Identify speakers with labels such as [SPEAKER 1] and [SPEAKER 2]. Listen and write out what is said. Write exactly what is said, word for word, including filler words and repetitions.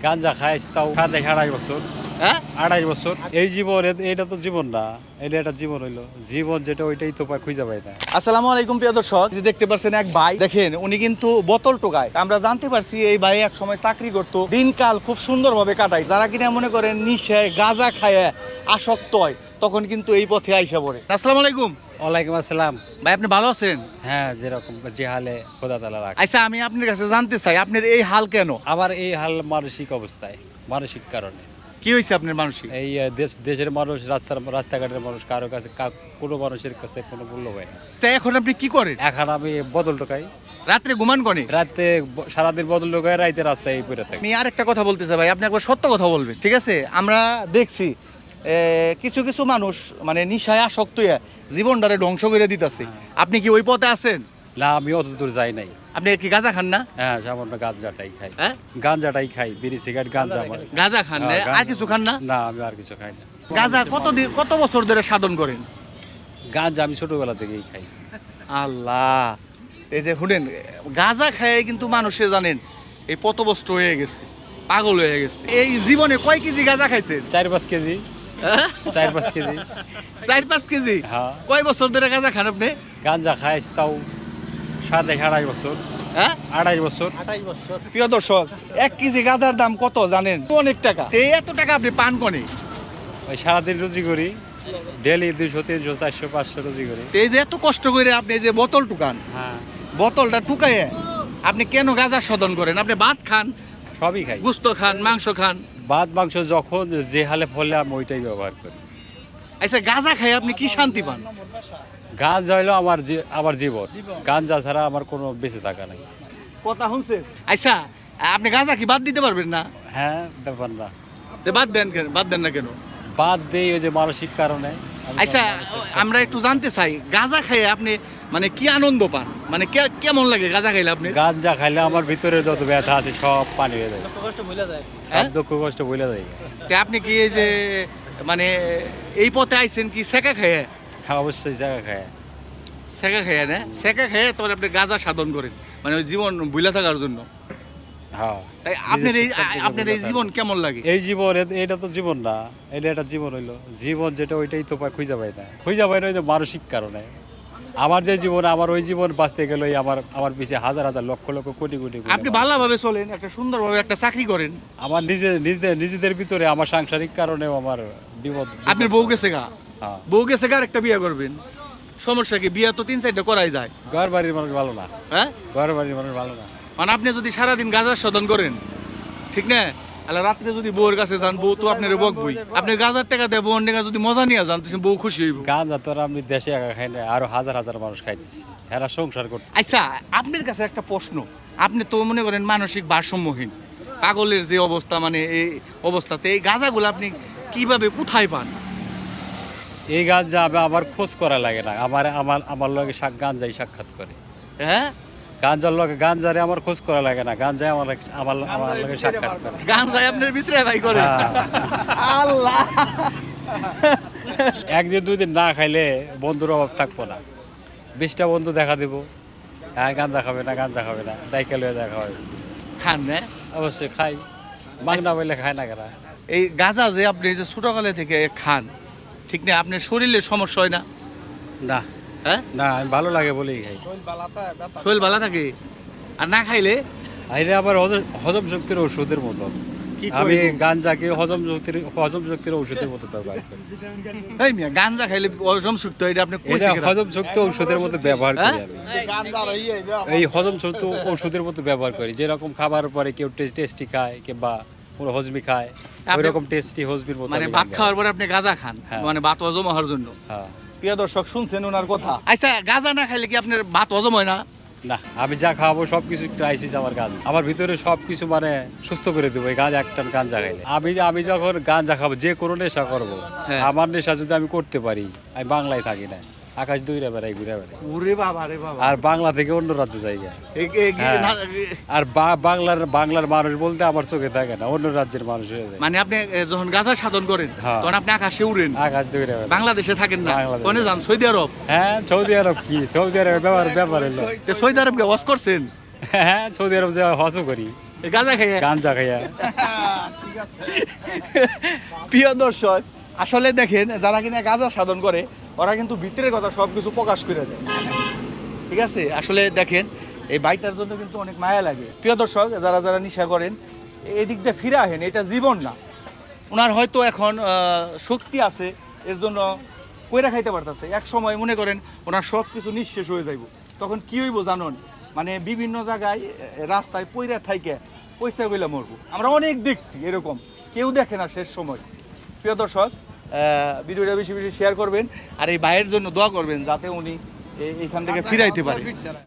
[SPEAKER 1] গাঞ্জা খাই তাও সাথে আড়াই বছর
[SPEAKER 2] হ্যাঁ
[SPEAKER 1] আড়াই বছর এই জীবন এ- এটা তো জীবন না, এটা একটা জীবন হইলো জীবন যেটা ওইটাই তো পায় খুঁজে পাই না।
[SPEAKER 2] আসসালামু আলাইকুম প্রিয় দর্শক, যে দেখতে পাচ্ছেন এক ভাই, দেখেন উনি কিন্তু বোতল টোকায়। আমরা জানতে পারছি এই ভাই এক সময় চাকরি করতো, দিনকাল খুব সুন্দরভাবে কাটায়। যারা কিনা মনে করেন নিশায় গাঁজা খায় আসক্ত হয়, তখন কিন্তু এই পথে আইসা পড়ে। আসসালামু আলাইকুম
[SPEAKER 1] ওয়ালাইকুম আসসালাম।
[SPEAKER 2] ভাই, আপনি ভালো আছেন?
[SPEAKER 1] হ্যাঁ, যেরকম যে হালে খোদা তালা রাখ।
[SPEAKER 2] আচ্ছা, আমি আপনার কাছে জানতে চাই আপনার এই হাল কেন?
[SPEAKER 1] আমার এই হাল মানসিক অবস্থায়, মানসিক কারণে।
[SPEAKER 2] কি হয়েছে আপনার মানসিক?
[SPEAKER 1] এই আহ, দেশ দেশের মানুষ, রাস্তার রাস্তাঘাটের মানুষ, কারো কাছে কা- কোনো মানুষের কাছে কোনো মূল্য হয় না।
[SPEAKER 2] তা এখন আপনি কি করেন?
[SPEAKER 1] এখন আমি বদল টোকাই,
[SPEAKER 2] রাত্রে ঘুমান কনে?
[SPEAKER 1] রাতে ব- সারাদিন বদল টোকাই, রাইতে রাস্তায় পড়ে থাকি।
[SPEAKER 2] আমি আর একটা কথা বলতে চাই ভাই, আপনি একবার সত্য কথা বলবেন, ঠিক আছে? আমরা দেখছি এ, কিছু কিছু মানুষ মানে নিশায় আসক্ত হয়ে জীবনটারে ধ্বংস করে দিতেছে। আপনি কি ওই পথে আছেন?
[SPEAKER 1] না, আমি অত দূর যাই নাই।
[SPEAKER 2] আপনি কি গাঁজা খান না?
[SPEAKER 1] হ্যাঁ, সামান্য গাঁজাটাই খাই।
[SPEAKER 2] হ্যাঁ,
[SPEAKER 1] গাঁজাটাই খাই, বিড়ি সিগারেট গাঁজা আমার।
[SPEAKER 2] গাঁজা খান না?
[SPEAKER 1] হ্যাঁ,
[SPEAKER 2] আর
[SPEAKER 1] গাঁজা।
[SPEAKER 2] কিছু খান না?
[SPEAKER 1] না, আমি আর কিছু খাই না।
[SPEAKER 2] গাঁজা কত দিন কত বছর ধরে সাধন করেন?
[SPEAKER 1] গাঁজা আমি ছোটবেলা থেকেই খাই।
[SPEAKER 2] আল্লাহ, এই যে শুনেন, গাঁজা খায় কিন্তু মানুষে জানেন এই পথভ্রষ্ট হয়ে গেছে, পাগল হয়ে গেছে। এই জীবনে কয় কেজি গাঁজা খাইছেন?
[SPEAKER 1] চার পাঁচ কেজি
[SPEAKER 2] হ্যাঁ?
[SPEAKER 1] চার পাঁচ কেজি
[SPEAKER 2] চার পাঁচ কেজি?
[SPEAKER 1] হ্যাঁ।
[SPEAKER 2] কয় বছর ধরে গাঁজা খান আপনি?
[SPEAKER 1] গাঁজা খাই তাও সাথে আড়াই বছর
[SPEAKER 2] হ্যাঁ,
[SPEAKER 1] আড়াই বছর
[SPEAKER 2] প্রিয় দর্শক, এক কেজি গাঁজার দাম কত জানেন? অনেক টাকা। তো এই এত টাকা আপনি পান কোনে?
[SPEAKER 1] ওই সারাদিন রুজি করি, ডেলি দুইশো তিনশো চারশো পাঁচশো রুজি করি।
[SPEAKER 2] তো এই যে এত কষ্ট করে আপনি এই যে বোতল টুকান,
[SPEAKER 1] হ্যাঁ,
[SPEAKER 2] বোতলটা টুকাইয়ে আপনি কেন গাঁজা শোধন করেন? আপনি ভাত খান,
[SPEAKER 1] সবই খাই।
[SPEAKER 2] গুস্ত খান, মাংস খান।
[SPEAKER 1] ভাত মাংস যখন যে হালে ফলে আমি ওইটাই ব্যবহার করি।
[SPEAKER 2] আচ্ছা, গাঁজা খাই আপনি কি শান্তি পান?
[SPEAKER 1] গাঁজা হইলো আমার জী- আমার জীবন। গাঁজা ছাড়া আমার কোনো বেঁচে থাকা নাই।
[SPEAKER 2] কথা শুনছেন? আচ্ছা, আপনি গাঁজা কি বাদ দিতে পারবেন না?
[SPEAKER 1] হ্যাঁ, ব্যাপার না।
[SPEAKER 2] তো বাদ দেন কেন? বাদ দেন না কেন?
[SPEAKER 1] বাদ দেই ওই যে মানসিক কারণে। আমি
[SPEAKER 2] আচ্ছা,
[SPEAKER 1] মানসিক-
[SPEAKER 2] আমরা একটু জানতে চাই, গাঁজা খাইয়ে আপনি মানে কি আনন্দ পান? মানে কে- কেমন লাগে গাঁজা খাইলে আপনি?
[SPEAKER 1] গাঁজা খাইলে আমার ভিতরে যত ব্যথা আছে সব পানি হয়ে যায়,
[SPEAKER 2] হ্যাঁ?
[SPEAKER 1] সব দুঃখ কষ্ট ভুলে যায়।
[SPEAKER 2] তা আপনি কি এই যে মানে এই পথে আইছেন কি সেকা খাইয়ে?
[SPEAKER 1] হ্যাঁ, অবশ্যই জায়গা খায়।
[SPEAKER 2] সেকা খাইয়ে না? সেকা খাইয়ে তারপরে আপনি গাঁজা সাধন করেন, মানে ওই জীবন ভুলে থাকার জন্য।
[SPEAKER 1] হ্যাঁ,
[SPEAKER 2] তাই আপনার এই
[SPEAKER 1] নিজের সত্য থেকে
[SPEAKER 2] আপনার এই
[SPEAKER 1] ভুলে
[SPEAKER 2] জীবন কেমন লাগে?
[SPEAKER 1] এই জীবন এ- এটা তো জীবন না, এটা একটা জীবন হইলো জীবন যেটা ওইটাই তো পায় খুঁজে পাই না। খুঁজে পাই না ওই যে মানসিক কারণে। আমার যে জীবন, আমার ওই জীবন বাঁচতে গেলে আমার আমার পিছিয়ে হাজার হাজার লক্ষ লক্ষ কোটি কোটি কোটি
[SPEAKER 2] আপনি
[SPEAKER 1] মানুষ।
[SPEAKER 2] ভালোভাবে চলেন, একটা সুন্দরভাবে একটা চাকরি করেন।
[SPEAKER 1] আমার নিজে নিজেদের নিজেদের ভিতরে আমার সাংসারিক কারণেও আমার বিপদ।
[SPEAKER 2] আপনার বউ গেছে গা,
[SPEAKER 1] হ্যাঁ,
[SPEAKER 2] বউ গেছে গা, আর একটা বিয়ে করবেন। সমস্যা কি? বিয়ে তো তিন চারটা করাই যায়।
[SPEAKER 1] ঘর বাড়ির মানুষ ভালো না,
[SPEAKER 2] হ্যাঁ,
[SPEAKER 1] ঘর বাড়ির মানুষ ভালো না।
[SPEAKER 2] মানে আপনি যদি সারাদিন গাঁজা শোধন করেন, ঠিক না, আল্লাহ রাত্রে যদি বউর কাছে যান, বউ তো আপনার বকবই। আপনি গাঁজার টাকা দেয় বউর টাকা যদি মজা নিয়ে যান, তখন বউ খুশি হইব।
[SPEAKER 1] গাঁজা তো আর আমি দেশে একা খাই না, আরো হাজার হাজার মানুষ খাইতেছি, এরা সংসার করতে।
[SPEAKER 2] আচ্ছা, আপনার কাছে একটা প্রশ্ন, আপনি তো মনে করেন মানসিক ভারসাম্যহীন, পাগলের যে অবস্থা, মানে এই অবস্থাতে এই গাঁজাগুলো আপনি কিভাবে কোথায় পান?
[SPEAKER 1] এই গাঁজা আমি আমার খোঁজ করা লাগে না, আমার আমার আমার লগে সাক গাঁজাই সাক্ষাৎ করে।
[SPEAKER 2] হ্যাঁ,
[SPEAKER 1] গাঞ্জার লগে গাঞ্জারে আমার খোঁজ করা লাগে না, গাঞ্জায় আমার আমার আমার লগে সাক্ষাৎ করে।
[SPEAKER 2] গাঁজায় আপনার বিশ্রে ভাই করে?
[SPEAKER 1] হ্যাঁ।
[SPEAKER 2] আল্লাহ,
[SPEAKER 1] একদিন দুই দিন না খাইলে বন্ধুর অভাব থাকবো না। বিশটা বন্ধু দেখা দিব, হ্যাঁ গাঞ্জা খাবে না, গাঞ্জা খাবে না, ডাইকেল হয়ে দেখা হবে।
[SPEAKER 2] খান না?
[SPEAKER 1] অবশ্যই খাই, মাগনা বললে খায় না কেনা।
[SPEAKER 2] এই গাঁজা যে আপনি যে ছোটকালে থেকে খান, ঠিক না, আপনার শরীরের সমস্যা হয় না?
[SPEAKER 1] না
[SPEAKER 2] হ্যাঁ,
[SPEAKER 1] না, আমি ভালো লাগে বলেই খাই।
[SPEAKER 2] শরীর ভালো থাকে। আর না খাইলে
[SPEAKER 1] আইলে আবার হজম- হজম শক্তির ওষুধের মতো।
[SPEAKER 2] কি
[SPEAKER 1] আমি
[SPEAKER 2] করবো?
[SPEAKER 1] গাঞ্জাকে হজম শক্তির হজম শক্তির ঔষধের মতো ব্যবহার করি।
[SPEAKER 2] এই মিয়া, গাঁজা খাইলে হজম শক্তি হয়, এটা আপনি কই
[SPEAKER 1] এটা
[SPEAKER 2] থেকে জানেন?
[SPEAKER 1] হজম শক্তি ঔষধের মতো ব্যবহার করি
[SPEAKER 2] হ্যাঁ?
[SPEAKER 1] আমি। এই হজম শক্তি ঔষধের মতো ব্যবহার করি, যেরকম খাবার পরে কেউ টেস্টি খায় কিংবা কোনো হজমি খায়,
[SPEAKER 2] আপনি-
[SPEAKER 1] ওই রকম টেস্টি হজমির মতো
[SPEAKER 2] মানে
[SPEAKER 1] আমি
[SPEAKER 2] ভাত
[SPEAKER 1] গাঁজা
[SPEAKER 2] খাওয়ার পরে আপনি গাঁজা খান,
[SPEAKER 1] হ্যাঁ।
[SPEAKER 2] মানে ভাত হজম হওয়ার জন্য।
[SPEAKER 1] হ্যাঁ।
[SPEAKER 2] প্রিয় দর্শক, শুনছেন ওনার কথা? আচ্ছা, গাঁজা না খাইলে কি আপনার ভাত হজম হয় না?
[SPEAKER 1] না, আমি যা খাবো সবকিছু ক্রাইসিস আমার গাঁজা, আমার ভিতরে সবকিছু মানে সুস্থ করে দেবো এই গাঁজা, একটা গাঁজা খাইলে। আমি আমি যখন গাঁজা খাবো, যে কোনো নেশা করবো,
[SPEAKER 2] হ্যাঁ।
[SPEAKER 1] আমার নেশা যদি আমি করতে পারি, আমি বাংলায় থাকি না, আকাশ দূরে বেড়াই ঘুরে বেড়াই,
[SPEAKER 2] ওরে বাবা রে বাবা,
[SPEAKER 1] আর বাংলা থেকে অন্য রাজ্যে জায়গা।
[SPEAKER 2] এ- এ-
[SPEAKER 1] হ্যাঁ।
[SPEAKER 2] না-
[SPEAKER 1] আর বা- বাংলার বাংলার মানুষ বলতে আমার চোখে থাকে না, অন্য রাজ্যের মানুষ হয়ে যায়।
[SPEAKER 2] মানে আপনি এ, যখন গাঁজা সাধন করেন,
[SPEAKER 1] হ্যাঁ।
[SPEAKER 2] তখন আপনি আকাশে উড়েন,
[SPEAKER 1] আকাশ দূরে বেড়াই।
[SPEAKER 2] বাংলাদেশে থাকেন না।
[SPEAKER 1] বাংলাদেশে।
[SPEAKER 2] কোনে যান? Saudi Arab?
[SPEAKER 1] হ্যাঁ, সৌদি আরব কি, সৌদি আরবের ব্যাপার ব্যাপার হলো।
[SPEAKER 2] তো সৌদি আরব কে ওয়াশ করছেন?
[SPEAKER 1] হ্যাঁ, সৌদি আরব যে হজও করি।
[SPEAKER 2] এই গাঁজা খাইয়ে
[SPEAKER 1] গাঞ্জা খাইয়া।
[SPEAKER 2] প্রিয় দর্শক, আসলে দেখেন যারা কিনা গাঁজা সাধন করে ওরা কিন্তু ভিতরের কথা সব কিছু প্রকাশ করে দেয়। ঠিক আছে, আসলে দেখেন এই বাইকটার জন্য কিন্তু অনেক মায়া লাগে। প্রিয় দর্শক, যারা যারা নেশা করেন এই দিক দিয়ে ফিরে আহেন, এটা জীবন না। ওনার হয়তো এখন আহ, শক্তি আছে, এর জন্য কইরা খাইতে পারতেছে। এক সময় মনে করেন ওনার সব কিছু নিঃশেষ হয়ে যাইব, তখন কি হইব জানুন, মানে বিভিন্ন জায়গায় এ, রাস্তায় পইরা থাইকে পয়সা কইলা মরবো। আমরা অনেক দেখছি এরকম, কেউ দেখে না শেষ সময়। প্রিয় দর্শক, আহ, ভিডিওটা বেশি বেশি শেয়ার করবেন আর এই ভাইয়ের জন্য দোয়া করবেন যাতে উনি এ- এখান থেকে ফিরাইতে পারে।